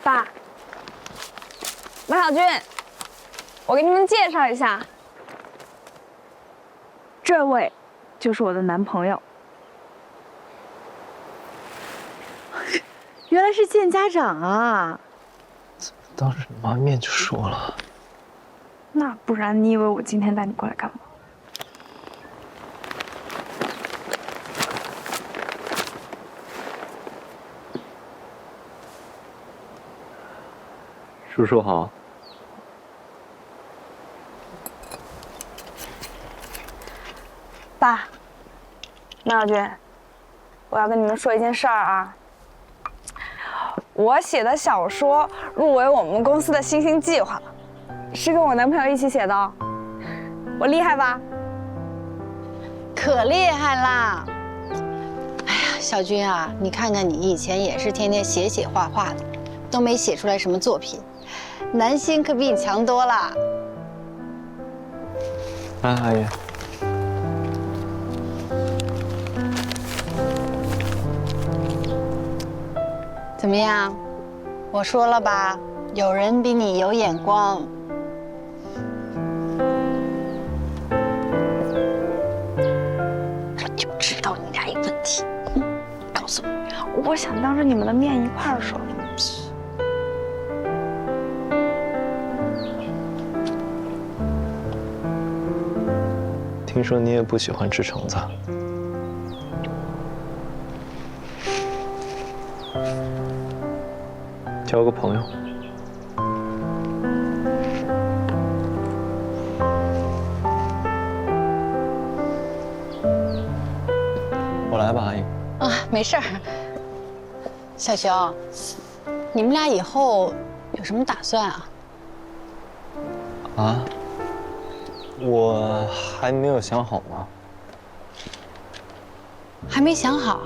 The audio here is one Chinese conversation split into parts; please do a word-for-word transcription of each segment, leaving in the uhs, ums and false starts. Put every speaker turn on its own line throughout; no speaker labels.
爸，马小军，我给你们介绍一下，这位就是我的男朋友。
原来是见家长啊！
当着你妈面就说了。
那不然你以为我今天带你过来干嘛？
叔叔好。
爸，马小军，我要跟你们说一件事儿啊。我写的小说入围我们公司的新星计划，是跟我男朋友一起写的哦。我厉害吧？
可厉害啦！哎呀，小军啊，你看看你以前也是天天写写画画的，都没写出来什么作品，男星可比你强多了。
来，阿姨。
怎么样？我说了吧，有人比你有眼光。我就知道你俩有问题。嗯，告诉我，
我想当着你们的面一块儿说。
听说你也不喜欢吃橙子。交个朋友。我来吧，阿姨。
啊，没事儿。小熊，你们俩以后有什么打算啊？
啊？我还没有想好呢。
还没想好。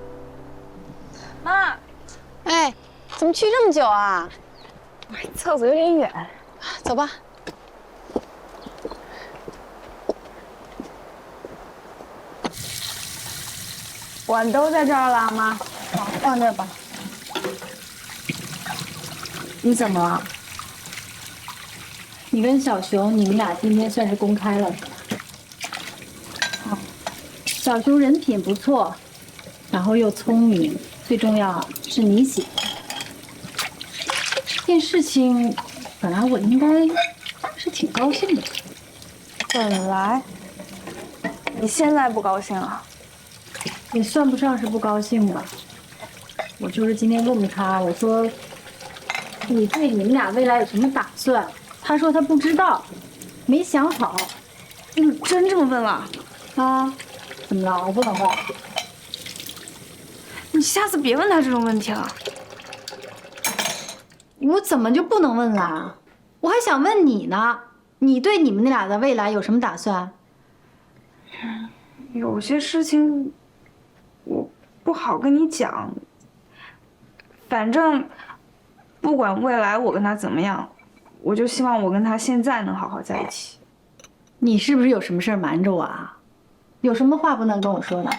妈，
哎，怎么去这么久啊？
厕所有点远，
走吧。
碗都在这儿了，妈。
好，放这儿吧。
你怎么了？你跟小熊，你们俩今天算是公开了，是吧？哦，小熊人品不错，然后又聪明，最重要是你喜欢。这件事情，本来我应该是挺高兴的。
本来，你现在不高兴啊？
也算不上是不高兴吧。我就是今天问问他，我说你对你们俩未来有什么打算？他说他不知道，没想好。
你真这么问了？
啊？怎么了？我不能问。
你下次别问他这种问题了。
我怎么就不能问啦？我还想问你呢，你对你们那俩的未来有什么打算？
有些事情我不好跟你讲。反正不管未来我跟他怎么样，我就希望我跟他现在能好好在一起。
你是不是有什么事儿瞒着我啊？有什么话不能跟我说的？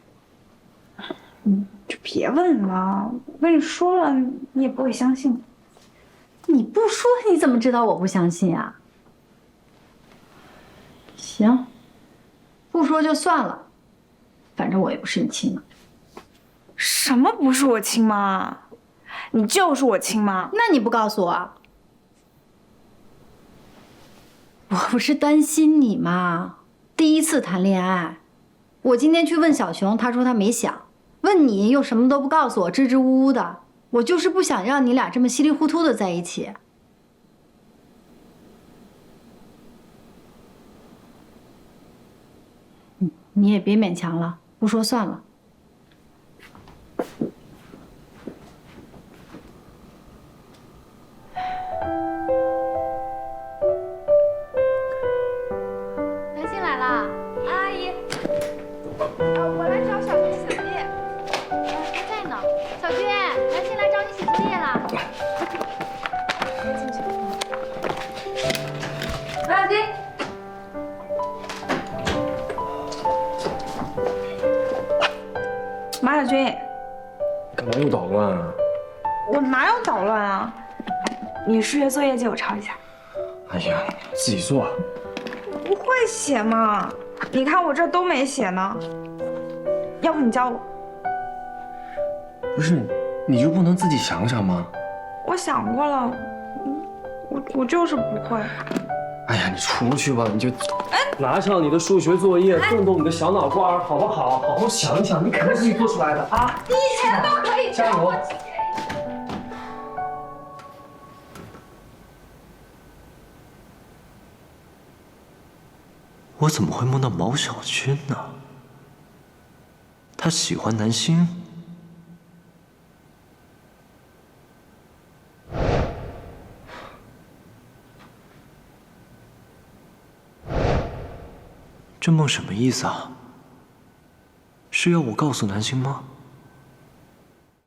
嗯，就别问了，我跟你说了，你也不会相信。
你不说你怎么知道我不相信啊？行，不说就算了，反正我也不是你亲妈。
什么不是我亲妈？你就是我亲妈。
那你不告诉我？我不是担心你吗？第一次谈恋爱，我今天去问小熊，他说他没想。问你又什么都不告诉我，支支吾吾的。我就是不想让你俩这么稀里糊涂的在一起。嗯，你也别勉强了，不说算了。
南星来啦，
阿姨，呃，我来找小军写作业。
他在呢。小军，南星来找你写作业啦。
马小军，马小军，
干嘛又捣乱啊？
我哪有捣乱啊！你数学作业借我抄一下。
哎呀，自己做。
不会写嘛？你看我这都没写呢。要不你教我？
不是，你就不能自己想想吗？
我想过了，我我就是不会。
哎呀，你出去吧，你就拿上你的数学作业，动动你的小脑瓜，好不好？好好想一想，你肯定自己做出来的啊！
你以前都可以
加油！
我怎么会梦到毛小军呢？他喜欢南星。这梦什么意思啊？是要我告诉南星吗？